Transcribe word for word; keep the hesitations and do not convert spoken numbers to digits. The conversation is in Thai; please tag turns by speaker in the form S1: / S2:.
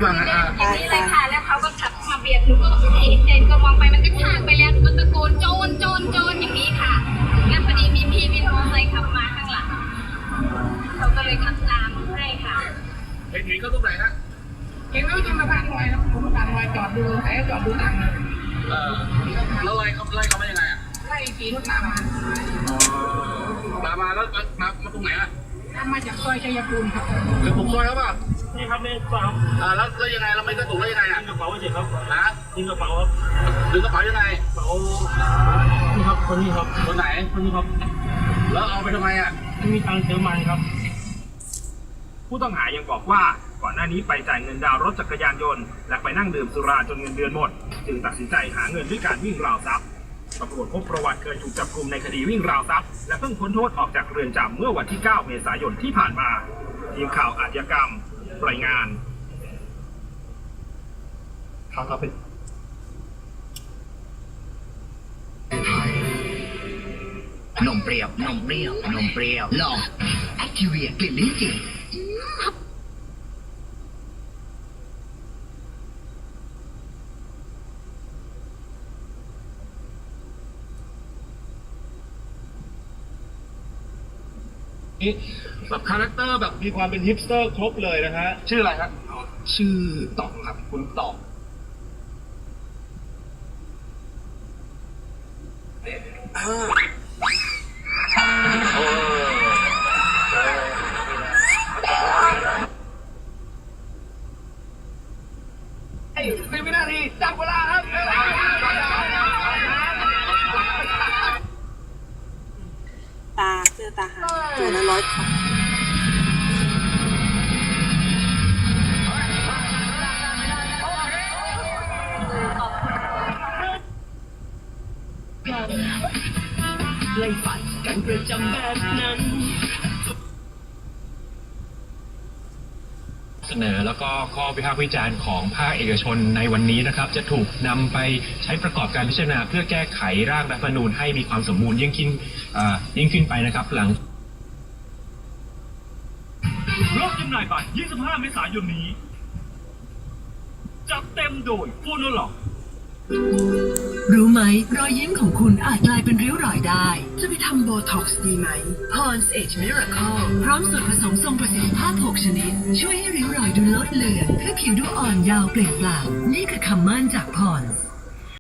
S1: อย่างนี้เลยค่ะแล้วเขาก็ขับมาเบียดหนูก็เห็นเจนก็มองไปมันก็ชากไปแล้วหนูก็ตะโกนโจรโจรโจรอย่างนี้ค่ะแล้วพอดีมีพี่วินมอเตอร์ไซค์ขับมาข้างหลังเขาก็เลยขับตามให้ค่ะ
S2: เห็นเห็นเขาตรงไหนฮะ
S1: เห็นเขาจนสะพานลอยครับผมสะพานลอยจอดดูใครจอดดูตังค์
S2: เออแล้วไล่เขาไล่เขามายังไงอ่ะ
S1: ไล่ขี่รถตามมา
S2: ตามมาแล้วมามาตรงไหนอ่ะ
S1: ตามมาจากซอยชัยภูมิครับ
S2: คือผมซอยเขาป่ะ
S3: นี่ครับนี่ครับ
S2: อ่าแล้วแล้วยังไงเราไม่กระตุกแล้วยังไงอ่ะ
S3: ยิงกระเป๋าเฉยครับ
S2: ฮะ
S3: ยิงกระเป๋าครับ
S2: ดึงกระเป๋ายังไง
S3: กระเป๋านี่ครับคนนี้ครับ
S2: คนไหน
S3: คนนี้ครับ
S2: แล้วเอาไปทำไมอ่ะ
S3: ไม่มีตังค์เติมมันครับ
S4: ผู้ต้องหายังบอกว่าก่อนหน้านี้ไปจ่ายเงินดาวรถจักรยานยนต์และไปนั่งดื่มสุราจนเงินเดือนหมดจึงตัดสินใจหาเงินด้วยการวิ่งราวทรัพย์ตำรวจพบประวัติเคยถูกจับกุมในคดีวิ่งราวทรัพย์และเพิ่งพ้นโทษออกจากเรือนจำเมื่อวันที่เก้าเมษายนที่ผ่านมาทีมข่าวอาชญากรรมรายงาน
S5: ข่าวต่อไป
S6: นมเปรี้ยวนมเปรี้ยวนมเปรี้ยวลองแอคทีเวียกลิ่นลิ้นจี่
S5: แบบคาแรคเตอร์แบบมีความเป็นฮิปสเตอร์ครบเลยนะฮะ
S2: ชื่ออะไรครับ
S5: ชื่อต่องครับคุณต่อง
S2: สิบวินาทีจับเวลาครับ
S7: ตาเสื้อตาหางตัวละร้อย
S6: ไล่ฝันกันประจำแบบนั้น
S8: เสนอแล้วก็ข้อวิพากษ์วิจารณ์ของภาคเอกชนในวันนี้นะครับจะถูกนำไปใช้ประกอบการพิจารณาเพื่อแก้ไขร่างรัฐธรรมนูญให้มีความสมบูรณ์ยิ่งขึ้นยิ่งขึ้นไปนะครับหลัง
S4: รอบจำหน่ายบัตรยี่สิบห้าเมษายนนี้จัดเต็มโดยโฟโนล็อก
S9: รู้ไหมรอยยิ้มของคุณอาจกลายเป็นริ้วรอยได้ จะไปทำโบท็อกซ์ดีไหม Pond's Age Miracle พร้อมสูตรผสมทรงประสิทธิภาพหกชนิด ช่วยให้ริ้วรอยดูลดเลือนให้ผิวดูอ่อนเยาว์เปล่งปลั่งนี่คือคำมั่นจาก Pond's